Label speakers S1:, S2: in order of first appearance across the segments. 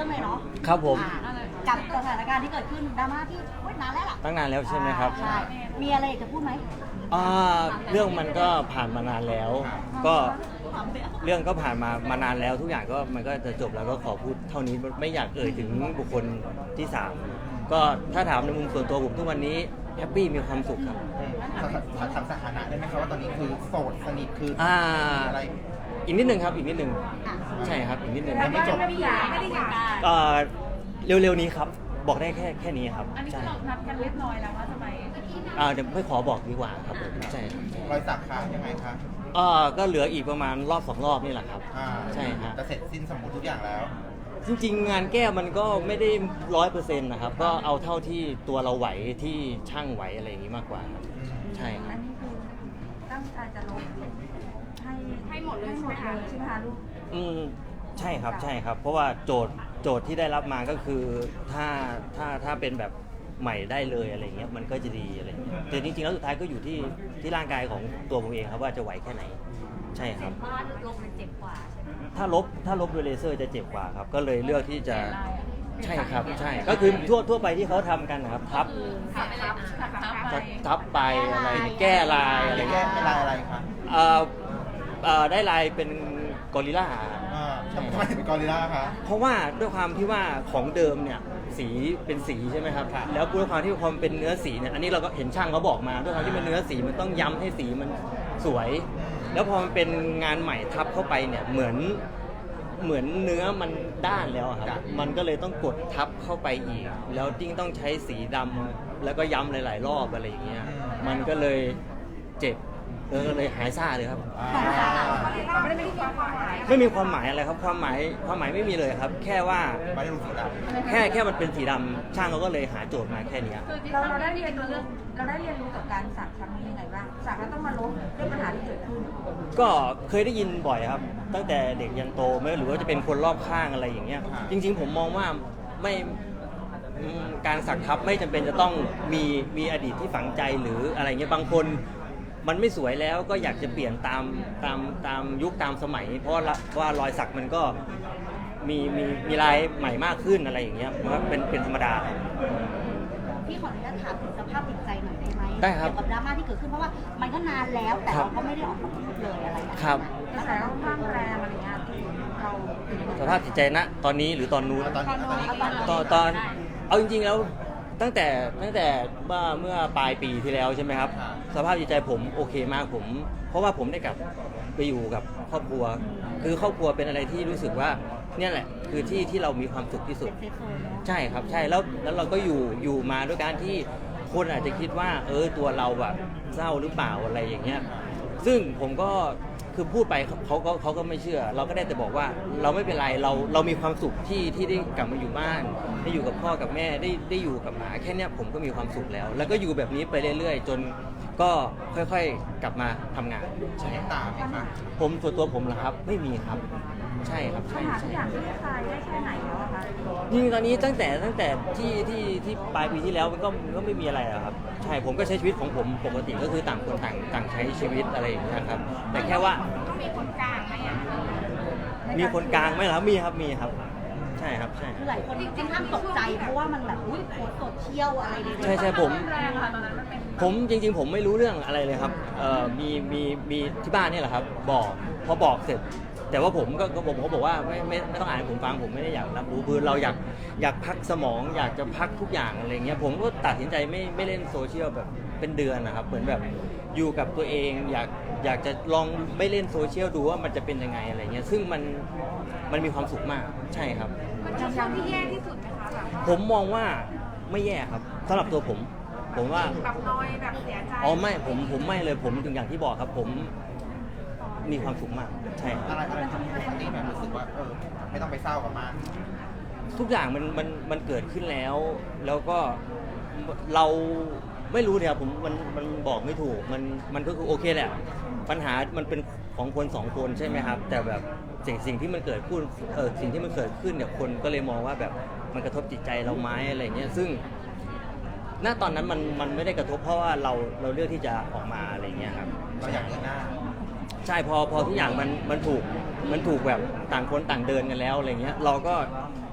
S1: รื่องเลยเนาะ
S2: ครับผม
S1: กับสถานการณ์ที่เกิดขึ้นดราม่าที่นานแล้วล่ะ
S2: ตั้งนานแล้วใช่ไหมครับ
S1: ใช่มีอะไรจะพูดไหม
S2: เรื่องมันก็ผ่านมานานแล้วก็เรื่องก็ผ่านมานานแล้วทุกอย่างก็มันก็จะจบแล้วก็ขอพูดเท่านี้ไม่อยากเอ่ยถึงบุคคลที่สามก็ถ้าถามในมุมส่วนตัวผมทุกวันนี้แฮปปี้มีความสุขครับ
S3: ทำสถานะได้ไหมครับว่าตอนนี้คือโสดสนิทคืออะไร
S2: อีกนิดนึงครับอีกนิดนึงใช่ครับอีกนิดนึง
S3: ไม่จบ
S1: ไม่ได้อยาก
S2: เร็วๆนี้ครับบอกได้แค่นี้ครับ
S4: อันนี้คือเรานัดกันเรียบร้อยแล้วว่าจะไป
S2: เดี๋ยวไม่ขอบอกดีกว่าครับผมใช่
S3: รอยสักค้างยังไงคะ
S2: ก็เหลืออีกประมาณรอบ2 รอบนี่แหละครับใช่ฮะ
S3: จะเสร็จสิ้นสมบูรณ์ทุกอย่างแล้ว
S2: จริงๆงานแก้มันก็ไม่ได้100%นะครับก็เอาเท่าที่ตัวเราไหวที่ช่างไหวอะไรอย่างนี้มากกว่าครับใช่ครับ
S1: อันนี้คือตั้งใจจะลงให้หมดเลยใช่ไหมคะลูก
S2: ใช่ครับใช่ครับเพราะว่าโจทย์ที่ได้รับมาก็คือถ้าเป็นแบบใหม่ได้เลยอะไรเงี้ยมันก็จะดีอะไรเงี้ยแต่จริงๆแล้วสุดท้ายก็อยู่ที่ร่างกายของตัวผมเองครับว่าจะไหวแค่ไหนใช่ครับ
S1: เพราะว่าลงมันเจ็บกว่าใช่ไหม
S2: ถ้าลบด้วยเลเซอร์จะเจ็บกว่าครับก็เลยเลือกที่จะใช่ครับใช่ก็คือทั่วไปที่เขาทำกันนะครับทับไปอะไรแก้ลายอะไร
S3: แก้ลายอะไรครับ
S2: ได้ลายเป็นกอริลลา
S3: ทำไมเป็นกอริลลาคะ
S2: เพราะว่าด้วยความที่ว่าของเดิมเนี่ยสีเป็นสีใช่ไหมครับแล้วด้วยความที่ความเป็นเนื้อสีเนี่ยอันนี้เราก็เห็นช่างเขาบอกมาด้วยความที่เป็นเนื้อสีมันต้องย้ำให้สีมันสวยแล้วพอมันเป็นงานใหม่ทับเข้าไปเนี่ยเหมือนเนื้อมันด้านแล้วครับมันก็เลยต้องกดทับเข้าไปอีกแล้วยิ่งต้องใช้สีดำแล้วก็ย้ำหลายๆรอบอะไรอย่างเงี้ยมันก็เลยเจ็บก็เลยหายซ่าเลยครับไม่มีความหมายอะไรครับความหมายไม่มีเลยครับแค่ว่า
S3: ไม่ได้ลงสีด
S2: ำแค่มันเป็นสีดำช่างเขาก็เลยหาโจทย์มาแค่นี้
S1: เราได้เรียนรู้กับการสักครั้งนี้ยังไงบ้างสักแล้วต้องมาลบเรื่องปัญหาที่เกิดขึ้น
S2: ก็เคยได้ยินบ่อยครับตั้งแต่เด็กยันโตไม่หรือว่าจะเป็นคนรอบข้างอะไรอย่างเงี้ยจริงๆผมมองว่าไม่การสักทับไม่จำเป็นจะต้องมีอดีตที่ฝังใจหรืออะไรเงี้ยบางคนมันไม่สวยแล้วก็อยากจะเปลี่ยนตามยุคตามสมัยเพราะว่ารอยสักมันก็มีลายใหม่มากขึ้นอะไรอย่างเงี้ยมันเป็นธรรมดา
S1: พี่ขออนุญาตถามถึงสภาพจิตใจหน่อยได้ไหม
S2: ได้ครับ
S1: เกี่ยวกับดราม่าที่เกิดขึ้นเพราะว่ามันก็นานแล้วแต่เราก็ไม่ได้ออกมาพูดเลยอะไร
S2: ครับ
S1: กระแสค่อนข้างแรงอะไรเงี้ยเรา
S2: สภาพจิตใจณตอนนี้หรือตอนนู้นตอนเอาจริงๆแล้วตั้งแต่เมื่อปลายปีที่แล้วใช่ไหมครับสภาพจิตใจผมโอเคมากผมเพราะว่าผมได้กลับไปอยู่กับครอบครัวคือครอบครัวเป็นอะไรที่รู้สึกว่าเนี่ยแหละคือที่เรามีความสุขที่สุดใช่ครับใช่แล้วเราก็อยู่มาด้วยการที่คนอาจจะคิดว่าตัวเราแบบเศร้าหรือเปล่าอะไรอย่างเงี้ยซึ่งผมก็คือพูดไปเขาก็ไม่เชื่อเราก็ได้แต่บอกว่าเราไม่เป็นไรเรามีความสุขที่ได้กลับมาอยู่บ้านได้อยู่กับพ่อกับแม่ได้อยู่กับหมาแค่นี้ผมก็มีความสุขแล้วก็อยู่แบบนี้ไปเรื่อยๆจนก็ค่อยๆกลับมาทำงาน
S3: ใช่ตามไหมครับ
S2: ผมส่วนตัวผมเหรอครับไม่มีครับใช่ครับ
S1: ปัญหาทุกอย่างที่คลายได้แค่ไหนแล้วคะ
S2: จริงตอนนี้ตั้งแต่ที่ปลายปีที่แล้วมันก็ไม่มีอะไรแล้วครับใช่ผมก็ใช้ชีวิตของผมปกติก็คือต่างคนต่างใช้ชีวิตอะไรอย่างเงี้ยครับแต่แค่ว่า
S4: มีคนกลางไหมอ่ะ
S2: มีคนกลางไหมล่ะมีครับใช่ครับใช่
S1: คือหลายคนจริงๆห้ามตกใจเพราะว่ามันแบบอุ้ยโพสต์โซเชียลอะไรใดๆ
S2: ใช่ผมจริงๆผมไม่รู้เรื่องอะไรเลยครับมีที่บ้านนี่แหละครับพอบอกเสร็จแต่ว่าผมก็บอกว่าไม่ต้องอ่านให้ผมฟังผมไม่ได้อยากรับรู้คือเราอยากพักสมองอยากจะพักทุกอย่างอะไรเงี้ยผมก็ตัดสินใจไม่เล่นโซเชียลแบบเป็นเดือนนะครับเหมือนแบบอยู่กับตัวเองอยากจะลองไม่เล่นโซเชียลดูว่ามันจะเป็นยังไงอะไรเงี้ยซึ่งมันมีความสุขมากใช่ครับ
S4: มันเป็นช่วงที่แย่ที่สุดไหมคะ
S2: ผมมองว่าไม่แย่ครับสำหรับตัวผมว่า
S4: แบบน้อยแบบเสียใจ
S2: ไม่ผมไม่เลยผมถึงอย่างที่บอกครับผมมีความสุขมากใช่
S3: อะไรทำให้ปกติแบบรู้สึกว่าไม่ต้องไปเศร้ากับมัน
S2: ทุกอย่างมันเกิดขึ้นแล้วก็เราไม่รู้เนี่ยผมมันบอกไม่ถูกมันก็คือโอเคแหละปัญหามันเป็นของคนสองคนใช่ไหมครับแต่แบบสิ่งที่มันเกิดขึ้นสิ่งที่มันเกิดขึ้นเนี่ยคนก็เลยมองว่าแบบมันกระทบจิตใจเราไหมอะไรเงี้ยซึ่งณตอนนั้นมันไม่ได้กระทบเพราะว่าเราเลือกที่จะออกมาอะไรเงี้ยครับ
S3: เราอยากเดินหน้า
S2: ใช่พอทุกอย่างมันถูกแบบต่างคนต่างเดินกันแล้วอะไรเงี้ยเราก็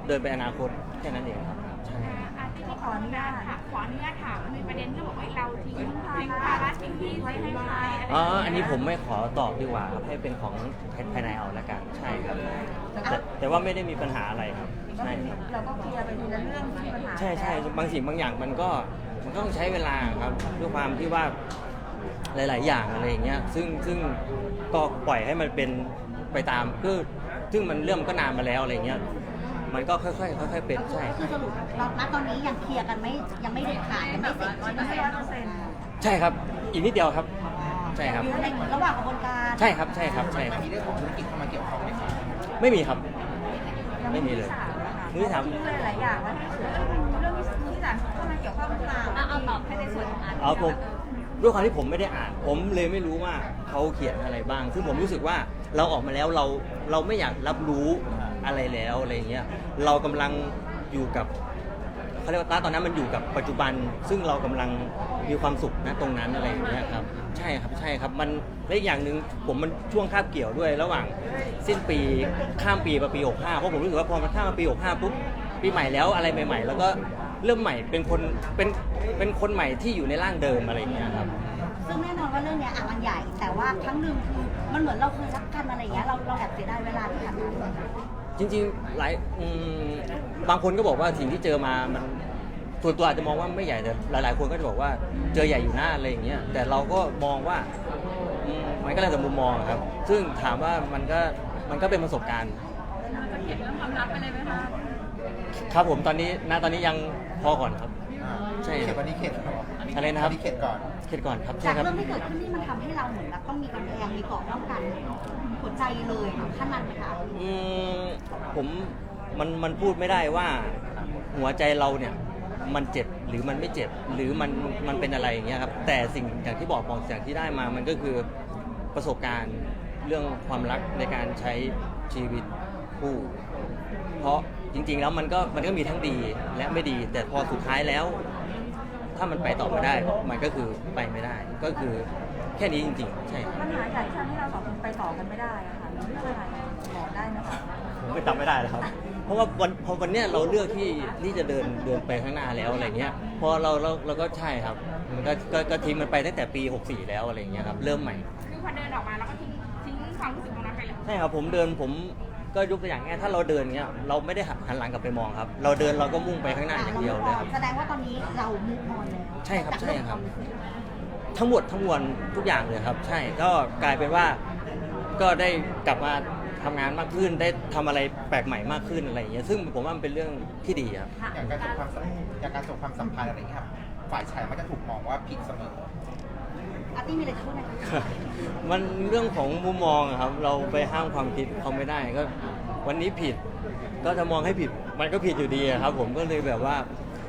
S2: เดินไปอนาคตแค่นั้นเองครับใช่
S4: ที่ขออนุญาตค่ะขออนุญาตถามมันมีประเด็นที่บอกว่าเราทิ้งภาระทิ้งที่ไว้ให้ใครอะไร
S2: อ๋ออันนี้ผมไม่ขอตอบดีกว่าครับให้เป็นของภายในเอาละกันใช่ครับแต่ว่าไม่ได้มีปัญหาอะไรครับใช่ครับ
S1: เราก็เคลียร์ไปทีละเรื่องที่มีปัญหา
S2: ใช่บางสิ่งบางอย่างมันก็ต้องใช้เวลาครับด้วยความที่ว่าหลาย ๆ อย่างอะไรอย่างเงี้ยซึ่งก็ปล่อยให้มันเป็นไปตามคือซึ่งมันเรื่องมันก็นานมาแล้วอะไรเงี้ยมันก็ค่อยๆเป็นใช่
S5: คือสรุปเราณตอนนี้ยังเคลียร์กันไม่ยังไม่เด็ดขาดยังไม่เสร็จใช่ไหม
S1: ไม่100%
S2: ใช่ครับอีกนิดเดียวครับใช่ครับ
S5: อยู่ในระหว่างกระบวนการ
S2: ใช่ครับ
S3: มันมีเรื่องของธุรกิจเข้ามาเกี่ยวข้องไหมครับ
S2: ไม่มีครับ
S1: ยัง
S2: ไม่มีเลย
S1: มือที่สามหลายอย่างว่าเรื่องที่สามเข้ามาเกี่ยวข้องหรือเปล่าเอาตอบให้ในส่วนของอาร์ต
S2: เอาผมด้วยความที่ผมไม่ได้อ่าน ผมเลยไม่รู้ว่าเขาเขียนอะไรบ้างซึ่งผมรู้สึกว่าเราออกมาแล้วเราไม่อยากรับรู้อะไรแล้วอะไรเงี้ยเรากำลังอยู่กับเขาเรียกว่าตอนนั้นมันอยู่กับปัจจุบัน ซึ่งเรากำลังมีความสุขนะตรงนั้นอะไรอย่างเงี้ยครับใช่ครับมันและอีกอย่างหนึ่งผมมันช่วงคาบเกี่ยวด้วยระหว่างสิ้นปีข้ามปีมาปี65เพราะผมรู้สึกว่าพอมันข้ามมาปี65ปุ๊บปีใหม่แล้วอะไรใหม่ ๆ แล้วก็เริ่มใหม่เป็นคนใหม่ที่อยู่ในร่างเดิมอะไรอย่างเงี้ยครับ
S5: ซึ่งแน่นอนว่าเรื่องเนี้ยมันใหญ่ แต่ว่าครั้งหนึ่งคือมันเหมือนเราเคยรักกันอะไรอย่างเงี้ยเราแอบเสียดายเวลาที่ผ่านมา
S2: จริงๆบางคนก็บอกว่าสิ่งที่เจอมามันส่วนตัวอาจจะมองว่าไม่ใหญ่แต่หลายๆคนก็จะบอกว่าเจอใหญ่อยู่หน้าอะไรอย่างเงี้ยแต่เราก็มองว่ามันก็แล้วแต่มุมมองครับซึ่งถามว่ามันก็เป็นประสบการณ์
S4: จะเขียนเรื่องความรักไปเลยไหมคะ
S2: ครับผมตอนนี้ยังพอก่อนครับ ใช่
S3: เข็ดวันนี้เข็ดเหรอ
S2: อะไรนะครับ
S3: วันนี้เข็ดก่อน
S2: เข็ดก่อนครับใช่
S5: จาก
S2: ครับ
S5: เรื่องที่เกิดขึ้นนี่มันทำให้เราเหมือนแบบต้องมีกำแพงมีเกราะป้องกันหัวใจเลยค่ะขั้นนั้นไหมคะ
S2: ผมมันพูดไม่ได้ว่าหัวใจเราเนี่ยมันเจ็บหรือมันไม่เจ็บหรือมันเป็นอะไรอย่างเงี้ยครับแต่สิ่งอย่างที่บอกสิ่งที่ได้มามันก็คือประสบการณ์เรื่องความรักในการใช้ชีวิตคู่ เพราะจริงๆแล้วมันก็มีทั้งดีและไม่ดี แต่พอสุดท้ายแล้ว ถ้ามันไปต่อไม่ได้ มันก็คือไปไม่ได้ ก็คือแค่นี้จริงๆ ใช่ครับ
S1: ปัญหาใหญ่ที่ทำให้เราสองคนไปต่อกันไม่ได้อะค่ะเรื่องอะไรบอกได้ไหมคะ
S2: ผมไม่จำไม่ได้แล้วครับ เพราะว่าพอวันเนี้ยเราเลือกที่จะเดินไปข้างหน้าแล้วอะไรเงี้ย พอเราก็ใช่ครับ มันก็ทิ้งมันไปตั้งแต่ปี 64 แล้วอะไรเงี้ยครับ เริ่มใหม่
S4: คือพอเดินออกมาแล้วก็ทิ้งความรู้สึกตรงนั้นไปเลย
S2: ใช่ครับผมก็ยกตัวอย่างง่ายถ้าเราเดินเงี้ยเราไม่ได้หันหลังกลับไปมองครับ เราเดินเราก็มุ่งไปข้างหน้าอย่างเดียวเลยครับ
S5: แสดงว่าตอนนี้เรามุกออนแล้ว
S2: ใช่ครับ
S5: จาก
S2: ใช่
S5: เอง
S2: ครับ
S5: วามสึก
S2: ทั้งหมดทั้งมวลทุกอย่างเลยครับ ใช่ก็กลายเป็นว่าก็ได้กลับมาทำงานมากขึ้นได้ทำอะไรแปลกใหม่มากขึ้นอะไรอย่างเงี้ยซึ่งผมว่ามันเป็นเรื่องที่ดีครับ
S3: อย่างการจบความสัมพันธ์อะไรอย่างเงี้ยครับฝ่ายชายมักจะถูกมองว่าผิดเสมอ
S5: อาร์ตี้มีอะไรจะพูดไหมคะ
S2: มันเรื่องของมุมมองอะครับ เราไปห้ามความคิดเขาไม่ได้ก็วันนี้ผิด ก็จะมองให้ผิดมันก็ผิดอยู่ดีอะครับ ผมก็เลยแบบว่า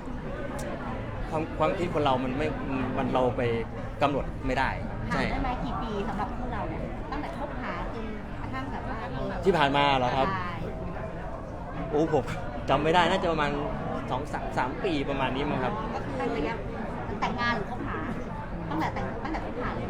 S2: ความคิดคนเรามันเราไปกำหนดไม่ได้
S5: ห่า
S2: ใช่
S5: งได้ไหมกี่ปีสำหรับพวกเราเนี่ยตั้งแต่คบหาจนกระทั่งแบบว่า
S2: ที่ผ่านมาเหรอครับ
S5: ใช่
S2: โอ้ผมจำไม่ได้น่าจะประมาณ2-3 ปีประมาณนี้มั้งครับ
S5: ก็คือระยะแต่งงานหรือคบหาตั้งแต่คบหาเลยไหม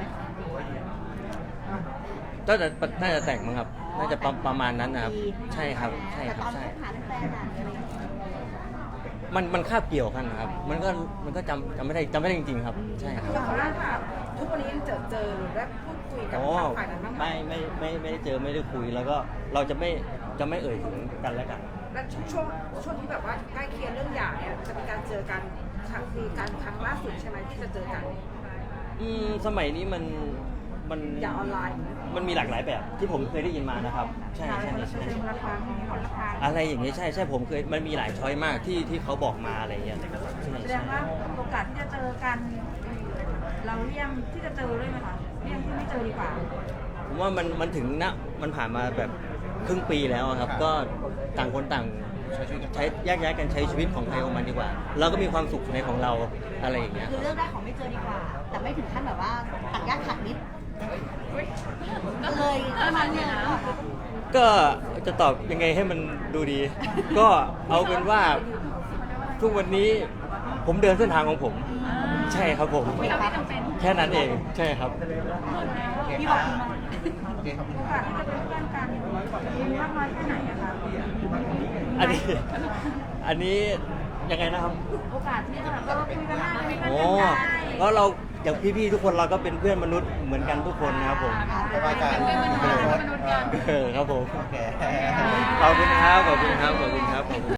S2: น่าจะแต่งมั้งครับ น่าจะประมาณนั้นนะครับ ใช่ครับใช่
S5: แต่
S2: ค
S5: ต
S2: รับ
S5: อน
S2: ใช่
S5: คบหาเป็นแฟนอะอะไรอย่างเงี้ย
S2: มันคาบเกี่ยวกันนะครับ มันก็จำไม่ได้จริงๆครับ ใช่ครับ
S1: อย่างล่าค่ะทุกวันนี้ยังเจอหรือได้พูดคุยกับ
S2: อ๋อ
S1: ทางฝ่ายนั้นบ้างไหม
S2: ไม่ได้เจอไม่ได้คุยแล้วก็เราจะไม่เอ่ยถึงกันและกัน
S1: และช่วงที่แบบว่าใกล้เคียงเรื่องหย่าเนี่ยจะมีการเจอกันคุยกันครั้งล่าสุดใช่ไหมที่จะเจอกัน
S2: สมัยนี้มัน
S1: อย่าออนไลน์
S2: มันมีหลากหลายแบบที่ผมเคยได้ยินมานะครับ ใช่
S1: ใช่
S2: ใช่
S1: ใช่
S2: ใช่
S1: ละครั้งขอละครั้ง
S2: อะไรอย่างนี้ใช่ผมเคยมันมีหลายช้อยมากที่เขาบอกมาอะไรอย่างเงี้ยใช่
S1: แสดงว่าโอกาสที่จะเจอกัน เราเลี่ยงที่จะเจอด้วยไหมคะเลี่ยงที่ไม่เจอดีกว่า
S2: ผมว่ามันถึงมันผ่านมาแบบครึ่งปีแล้วอะครับ ก็ต่างคนต่างใช้แยกย้ายกันใช้ชีวิตของใครของมันดีกว่า เราก็มีความสุขในของเราอะไรอย่างเงี้ย
S5: คือเลือกได้ของไม่เจอดีกว่า แต่ไม่ถึงขั้นแบบว่าตัดญาติขาดมิตรก็เลยประมาณเนี้ยนะ
S2: ก็จะตอบยังไงให้มันดูดี ก็เอาเป็นว่าทุกวันนี้ผมเดินเส้นทางของผม ใช่ครับผม
S4: ไม่จำเป็น
S2: แค่นั้นเองใช่ครับ
S5: พี่บอก
S3: โอเคขอบคุณ
S1: โอ
S3: ครั
S1: กา
S3: บ
S1: สที่จะเป็นเพื่อนกันมีมากน้อยแค่ไหนอะคะ
S2: อันนี้อันนี้ยังไงนะครับ
S4: โอกาสที่จะแบบคุยกันได้คุยกัน
S2: โอ้
S4: ได้
S2: ก็เราอย่างพี่ๆทุกคนเราก็เป็นเพื่อนมนุษย์เหมือนกันทุกคนนะครับผม
S3: สบายใจ
S2: ครับผม
S3: โอเค
S2: ขอบคุณครับขอบคุณครับขอบคุณครับขอบคุณ